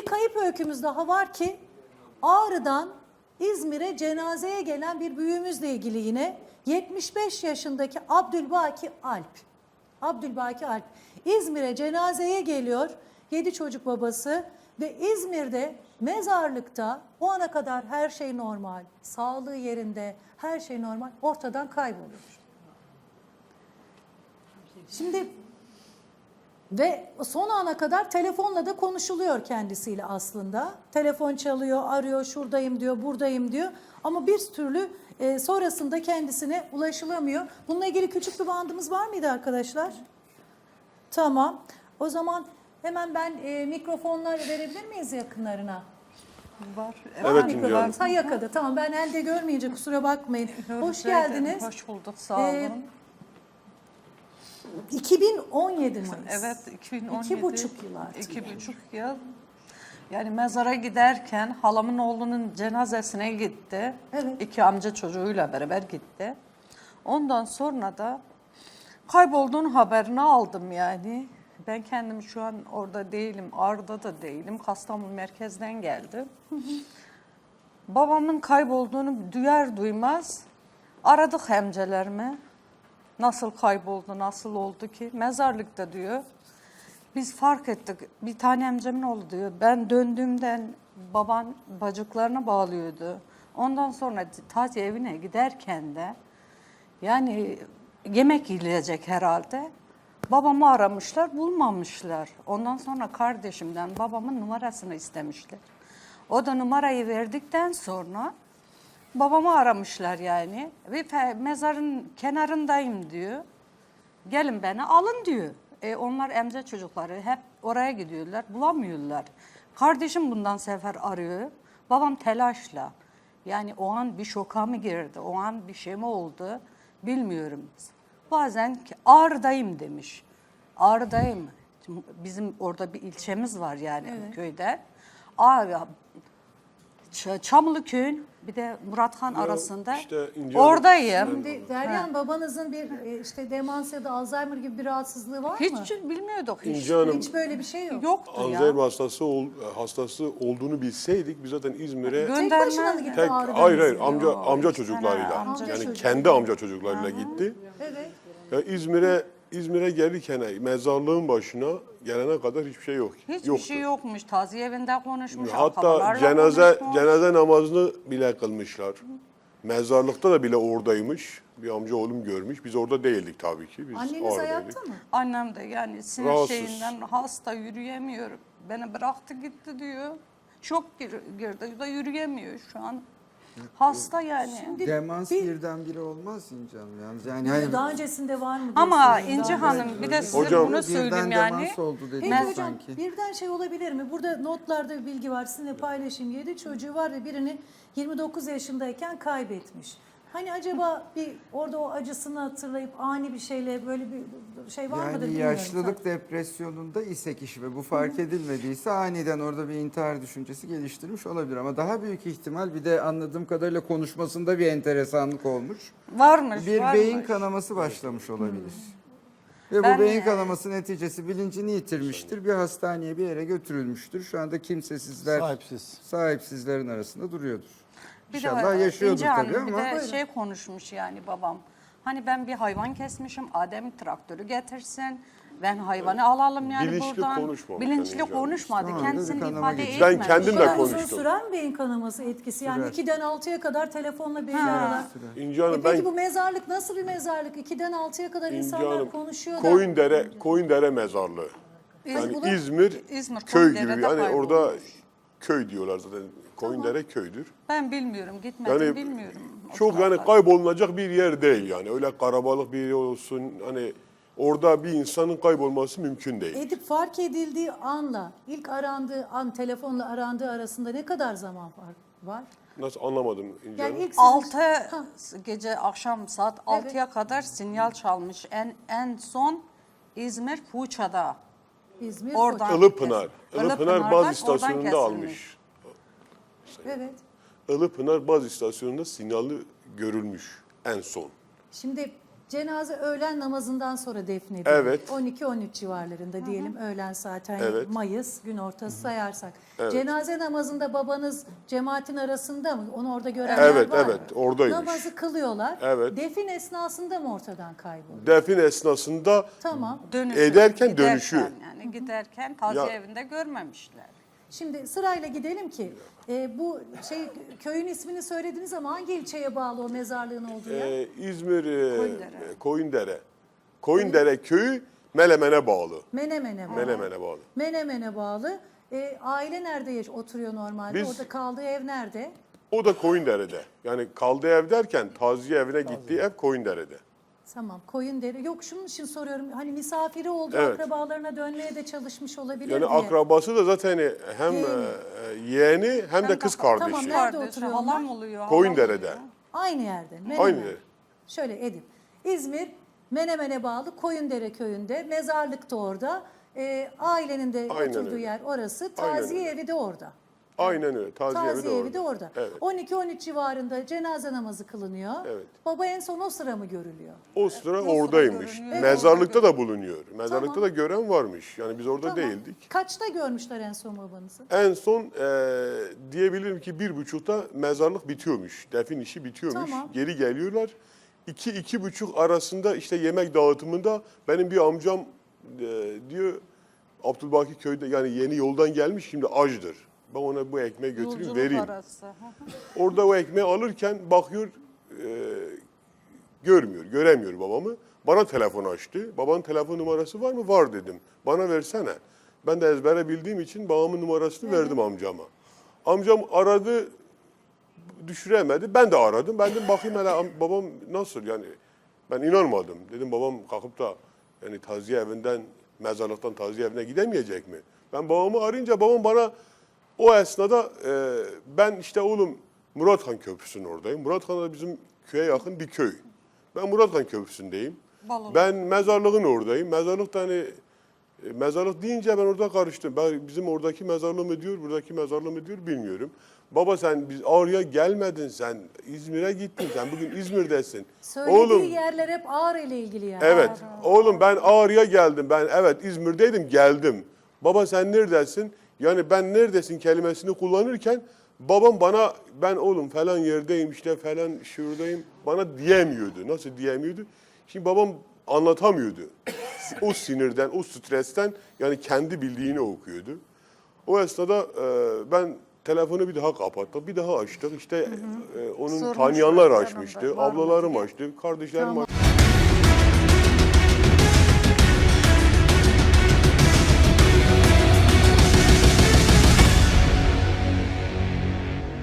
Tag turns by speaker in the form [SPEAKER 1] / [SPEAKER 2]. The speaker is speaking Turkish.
[SPEAKER 1] kayıp öykümüz daha var ki Ağrı'dan İzmir'e cenazeye gelen bir büyüğümüzle ilgili yine 75 yaşındaki Abdülbaki Alp. Abdülbaki Alp İzmir'e cenazeye geliyor, 7 çocuk babası ve İzmir'de mezarlıkta o ana kadar her şey normal, sağlığı yerinde, her şey normal, ortadan kayboluyor. Şimdi ve son ana kadar telefonla da konuşuluyor kendisiyle aslında. Telefon çalıyor, arıyor, şuradayım diyor, buradayım diyor. Ama bir türlü sonrasında kendisine ulaşılamıyor. Bununla ilgili küçük bir bandımız var mıydı arkadaşlar? Tamam. O zaman hemen ben mikrofonlar verebilir miyiz yakınlarına?
[SPEAKER 2] Var.
[SPEAKER 3] Evet,
[SPEAKER 1] Mikrofon. Ha yakada. Tamam, ben elde görmeyince kusura bakmayın. Hoş geldiniz.
[SPEAKER 2] Hoş bulduk, sağ olun.
[SPEAKER 1] 2017 Mayıs.
[SPEAKER 2] Evet, 2017.
[SPEAKER 1] 2,5 yıl artık.
[SPEAKER 2] 2,5 yıl. Yani mezara giderken halamın oğlunun cenazesine gitti.
[SPEAKER 1] Evet.
[SPEAKER 2] 2 amca çocuğuyla beraber gitti. Ondan sonra da kaybolduğun haberini aldım yani. Ben kendim şu an orada değilim, Ağrı'da da değilim. Kastamonu merkezden geldim. Babamın kaybolduğunu duyar duymaz aradık hemcelerimi. Nasıl kayboldu, nasıl oldu ki? Mezarlıkta diyor. Biz fark ettik. Bir tane amcamın oğlu diyor. Ben döndüğümden baban bacaklarına bağlıyordu. Ondan sonra taze evine giderken de yani yemek yiyecek herhalde. Babamı aramışlar, bulmamışlar. Ondan sonra kardeşimden babamın numarasını istemişler. O da numarayı verdikten sonra babamı aramışlar yani. Ve mezarın kenarındayım diyor. Gelin beni alın diyor. Onlar emce çocukları hep oraya gidiyorlar, bulamıyorlar. Kardeşim bundan sefer arıyor. Babam telaşla. Yani o an bir şoka mı girdi, o an bir şey mi oldu bilmiyorum. Bazen Ağrı'dayım demiş. Ağrı'dayım. Bizim orada bir ilçemiz var yani köyde. Ağrı, Çamlıköy'ün bir de Murathan arasında
[SPEAKER 3] işte
[SPEAKER 2] oradayım.
[SPEAKER 1] Şimdi Deryan babanızın bir işte demans ya da Alzheimer gibi bir rahatsızlığı var mı?
[SPEAKER 2] Hiç bilmiyorduk.
[SPEAKER 3] İnce Hanım,
[SPEAKER 1] Hiç böyle bir şey yok.
[SPEAKER 2] Yoktu ya.
[SPEAKER 3] Alzheimer hastası olduğunu bilseydik biz zaten İzmir'e
[SPEAKER 1] Tek başına mı gitti
[SPEAKER 3] tek
[SPEAKER 1] Ağrı'dan
[SPEAKER 3] hayır
[SPEAKER 1] İzmir'e?
[SPEAKER 3] amca çocuklarıyla
[SPEAKER 1] Amca
[SPEAKER 3] yani
[SPEAKER 1] çocuğu.
[SPEAKER 3] kendi amca çocuklarıyla gitti.
[SPEAKER 1] Evet.
[SPEAKER 3] Ya İzmir'e gelirken mezarlığın başına gelene kadar hiçbir şey yok.
[SPEAKER 2] Hiçbir
[SPEAKER 3] yoktu.
[SPEAKER 2] şey yokmuş. Taziye evinde konuşmuş.
[SPEAKER 3] Hatta
[SPEAKER 2] akrabalarla konuşmuş.
[SPEAKER 3] cenaze namazını bile kılmışlar. Mezarlıkta da bile oradaymış. Bir amca oğlum görmüş. Biz orada değildik tabii ki. Biz
[SPEAKER 1] Anneniz
[SPEAKER 3] Ağrı'daydık.
[SPEAKER 1] hayatta mı?
[SPEAKER 2] Annem de yani sinir
[SPEAKER 3] Rahatsız.
[SPEAKER 2] şeyinden hasta, yürüyemiyor. Beni bıraktı gitti diyor. Çok girdi da yürüyemiyor şu an. Hasta yani.
[SPEAKER 4] Demans birdenbire olmaz İnce Hanım yalnız. Yani hani
[SPEAKER 1] Daha öncesinde var mı? diye
[SPEAKER 2] Ama
[SPEAKER 1] soruyorum.
[SPEAKER 2] İnci
[SPEAKER 1] Daha
[SPEAKER 2] Hanım bir de size
[SPEAKER 3] Hocam,
[SPEAKER 2] bunu söyleyeyim
[SPEAKER 4] birden
[SPEAKER 2] yani.
[SPEAKER 4] demans oldu
[SPEAKER 1] Peki
[SPEAKER 4] dediniz
[SPEAKER 1] hocam
[SPEAKER 4] sanki.
[SPEAKER 1] birden şey olabilir mi? Burada notlarda bir bilgi var, sizinle paylaşayım. 7 çocuğu var ve birini 29 yaşındayken kaybetmiş. Hani acaba bir orada o acısını hatırlayıp ani bir şeyle böyle bir şey var mıdır
[SPEAKER 4] Yani
[SPEAKER 1] bilmiyorum.
[SPEAKER 4] yaşlılık depresyonunda ise kişi ve bu fark edilmediyse aniden orada bir intihar düşüncesi geliştirmiş olabilir. Ama daha büyük ihtimal bir de anladığım kadarıyla konuşmasında bir enteresanlık olmuş.
[SPEAKER 2] Varmış,
[SPEAKER 4] Bir
[SPEAKER 2] varmış.
[SPEAKER 4] beyin kanaması başlamış olabilir. Ve
[SPEAKER 2] Ben
[SPEAKER 4] bu beyin kanaması neticesi bilincini yitirmiştir. Bir hastaneye bir yere götürülmüştür. Şu anda kimsesizler, sahipsizlerin arasında duruyordur.
[SPEAKER 2] Bir
[SPEAKER 4] İnşallah
[SPEAKER 2] de
[SPEAKER 4] yaşıyordur
[SPEAKER 2] İnci Hanım
[SPEAKER 4] tabii
[SPEAKER 2] bir
[SPEAKER 4] ama.
[SPEAKER 2] de şey konuşmuş yani babam. Hani ben bir hayvan kesmişim, Adem traktörü getirsin. Ben hayvanı alalım yani
[SPEAKER 3] Bilinçli
[SPEAKER 2] buradan.
[SPEAKER 3] konuşmamış
[SPEAKER 2] Bilinçli
[SPEAKER 3] yani İnci Hanım.
[SPEAKER 2] konuşmadı.
[SPEAKER 4] Tamam,
[SPEAKER 2] Kendisini
[SPEAKER 4] bir kanama
[SPEAKER 2] ifade
[SPEAKER 4] geçti.
[SPEAKER 2] etmedi.
[SPEAKER 3] Ben kendim
[SPEAKER 1] Bu
[SPEAKER 3] de
[SPEAKER 1] kadar uzun
[SPEAKER 3] konuştum.
[SPEAKER 1] süren beyin kanaması etkisi. Yani
[SPEAKER 4] Sürer.
[SPEAKER 1] 2'den 6'ya kadar telefonla belli aralar.
[SPEAKER 3] İnci Hanım,
[SPEAKER 1] Peki
[SPEAKER 3] ben
[SPEAKER 1] bu mezarlık nasıl bir mezarlık? 2'den 6'ya kadar
[SPEAKER 3] İnci
[SPEAKER 1] insanlar
[SPEAKER 3] Hanım,
[SPEAKER 1] konuşuyor da.
[SPEAKER 3] Koyundere mezarlığı. Yani
[SPEAKER 1] bunu-
[SPEAKER 3] İzmir köy gibi.
[SPEAKER 2] Koyundere'de
[SPEAKER 3] Yani
[SPEAKER 2] kaybolmuş.
[SPEAKER 3] orada köy diyorlar zaten. Koyundere köydür.
[SPEAKER 2] Ben bilmiyorum, gitmedim
[SPEAKER 3] Yani
[SPEAKER 2] bilmiyorum. o
[SPEAKER 3] çok yani
[SPEAKER 2] tarafları.
[SPEAKER 3] kaybolunacak bir yer değil yani. Öyle karabalık bir yer olsun hani orada bir insanın kaybolması mümkün değil.
[SPEAKER 1] Edip fark edildiği anla ilk arandığı an telefonla arandığı arasında ne kadar zaman fark var?
[SPEAKER 3] Nasıl anlamadım İnci
[SPEAKER 1] Yani
[SPEAKER 3] Hanım?
[SPEAKER 1] ilk sizin-
[SPEAKER 2] 6 gece akşam saat 6'ya kadar sinyal çalmış. En son İzmir Fuça'da.
[SPEAKER 1] İzmir,
[SPEAKER 2] Oradan.
[SPEAKER 1] Foça.
[SPEAKER 3] Ilıpınar.
[SPEAKER 2] Ilıpınar'dan
[SPEAKER 3] Ilıpınar baz
[SPEAKER 2] oradan
[SPEAKER 3] istasyonunda
[SPEAKER 2] kesilmiş.
[SPEAKER 3] almış.
[SPEAKER 1] Evet.
[SPEAKER 3] Ilıpınar baz istasyonunda sinyali görülmüş en son.
[SPEAKER 1] Şimdi Cenaze öğlen namazından sonra defnedildi.
[SPEAKER 3] Evet.
[SPEAKER 1] 12-13 civarlarında diyelim öğlen saat, hani
[SPEAKER 3] Evet.
[SPEAKER 1] Mayıs gün ortası sayarsak.
[SPEAKER 3] Evet.
[SPEAKER 1] Cenaze namazında babanız cemaatin arasında mı? Onu orada görenler
[SPEAKER 3] Evet,
[SPEAKER 1] var mı?
[SPEAKER 3] evet, oradaymış.
[SPEAKER 1] Namazı kılıyorlar.
[SPEAKER 3] Evet.
[SPEAKER 1] Defin esnasında mı ortadan kayboldu?
[SPEAKER 3] Defin esnasında
[SPEAKER 1] Tamam.
[SPEAKER 3] Ederken dönüşüyor.
[SPEAKER 2] Yani giderken taziye
[SPEAKER 3] Ya-
[SPEAKER 2] evinde görmemişler.
[SPEAKER 1] Şimdi sırayla gidelim ki bu köyün ismini söylediniz ama hangi ilçeye bağlı o mezarlığın olduğu yer?
[SPEAKER 3] İzmir
[SPEAKER 2] Koyundere.
[SPEAKER 3] Koyundere. Koyundere köyü Menemen'e bağlı.
[SPEAKER 1] Menemen'e bağlı.
[SPEAKER 3] Menemen'e bağlı.
[SPEAKER 1] Menemen'e bağlı. Aile nerede oturuyor normalde?
[SPEAKER 3] Biz-
[SPEAKER 1] Orada kaldığı ev nerede?
[SPEAKER 3] O da Koyundere'de. Yani kaldığı ev derken taziye evine gittiği ev Koyundere'de.
[SPEAKER 1] Tamam, Koyundere. Yok, şunun için soruyorum. Hani misafiri olduğu
[SPEAKER 3] Evet.
[SPEAKER 1] akrabalarına dönmeye de çalışmış olabilir
[SPEAKER 3] Yani
[SPEAKER 1] diye.
[SPEAKER 3] akrabası da zaten hem yeğeni hem de kız
[SPEAKER 1] Tamam,
[SPEAKER 3] kardeşi.
[SPEAKER 1] nerede
[SPEAKER 2] Kardeşi,
[SPEAKER 1] oturuyor
[SPEAKER 2] halam
[SPEAKER 1] onlar?
[SPEAKER 2] oluyor. halam
[SPEAKER 3] Koyundere'de.
[SPEAKER 2] oluyor.
[SPEAKER 1] Aynı yerde. Menemen.
[SPEAKER 3] Aynı yer.
[SPEAKER 1] Şöyle edeyim. İzmir, Menemen'e bağlı Koyundere köyünde. Mezarlık da orada. Ailenin de
[SPEAKER 3] Aynen
[SPEAKER 1] oturduğu
[SPEAKER 3] öyle.
[SPEAKER 1] yer orası.
[SPEAKER 3] Aynen
[SPEAKER 1] Taziye
[SPEAKER 3] öyle.
[SPEAKER 1] evi de orada.
[SPEAKER 3] Aynen öyle.
[SPEAKER 1] Taziye evi
[SPEAKER 3] orada.
[SPEAKER 1] de orada.
[SPEAKER 3] Evet.
[SPEAKER 1] 12-13 civarında cenaze namazı kılınıyor.
[SPEAKER 3] Evet.
[SPEAKER 1] Baba en son o sıra mı görülüyor?
[SPEAKER 3] O sıra
[SPEAKER 2] sıra
[SPEAKER 3] oradaymış.
[SPEAKER 2] görünüyor.
[SPEAKER 3] Mezarlıkta da bulunuyor. Mezarlıkta
[SPEAKER 1] Tamam.
[SPEAKER 3] da gören varmış. Yani biz orada
[SPEAKER 1] Tamam.
[SPEAKER 3] değildik.
[SPEAKER 1] Kaçta görmüşler en son babanızı?
[SPEAKER 3] En son diyebilirim ki 1.30'da mezarlık bitiyormuş. Defin işi bitiyormuş.
[SPEAKER 1] Tamam.
[SPEAKER 3] Geri geliyorlar. 2-2.30 arasında işte yemek dağıtımında benim bir amcam diyor Abdülbaki köyde, yani yeni yoldan gelmiş, şimdi açdır. Ben ona bu ekmeği götüreyim
[SPEAKER 2] Yolculuk
[SPEAKER 3] vereyim.
[SPEAKER 2] arası. Hı hı.
[SPEAKER 3] Orada o ekmeği alırken bakıyor görmüyor, göremiyor babamı. Bana telefon açtı. Babanın telefon numarası var mı? Var dedim. Bana versene. Ben de ezbere bildiğim için babamın numarasını verdim amcama. Amcam aradı, düşüremedi. Ben de aradım. Ben de bakayım hele babam nasıl, yani ben inanmadım. Dedim babam kalkıp da yani taziye evinden, mezarlıktan taziye evine gidemeyecek mi? Ben babamı arayınca babam bana o esnada ben işte oğlum Murathan Köprüsü'nün oradayım. Murathan da bizim köye yakın bir köy. Ben Murathan Köprüsü'ndeyim.
[SPEAKER 2] Balon.
[SPEAKER 3] Ben mezarlığın oradayım. Mezarlık da hani mezarlık deyince ben orada karıştım. Ben bizim oradaki mezarlığı mı diyor, buradaki mezarlığı mı diyor bilmiyorum. Baba sen biz Ağrı'ya gelmedin, sen İzmir'e gittin, sen bugün İzmir'desin.
[SPEAKER 1] Söylediği yerler hep Ağrı ile ilgili yer.
[SPEAKER 3] Evet. Oğlum ben Ağrı'ya geldim. Ben evet İzmir'deydim, geldim. Baba sen neredesin? Yani ben neredesin kelimesini kullanırken babam bana ben oğlum falan yerdeyim, işte falan şuradayım bana diyemiyordu. Nasıl diyemiyordu? Şimdi babam anlatamıyordu. O sinirden, o stresten, yani kendi bildiğini okuyordu. O esnada ben telefonu bir daha kapattık, bir daha açtık. İşte onun
[SPEAKER 2] Sormuşlar
[SPEAKER 3] tanıyanlar
[SPEAKER 2] yanında
[SPEAKER 3] açmıştı,
[SPEAKER 2] var mı
[SPEAKER 3] ablalarım
[SPEAKER 2] diye.
[SPEAKER 3] açtı, kardeşlerim
[SPEAKER 1] Tamam.
[SPEAKER 3] açtı.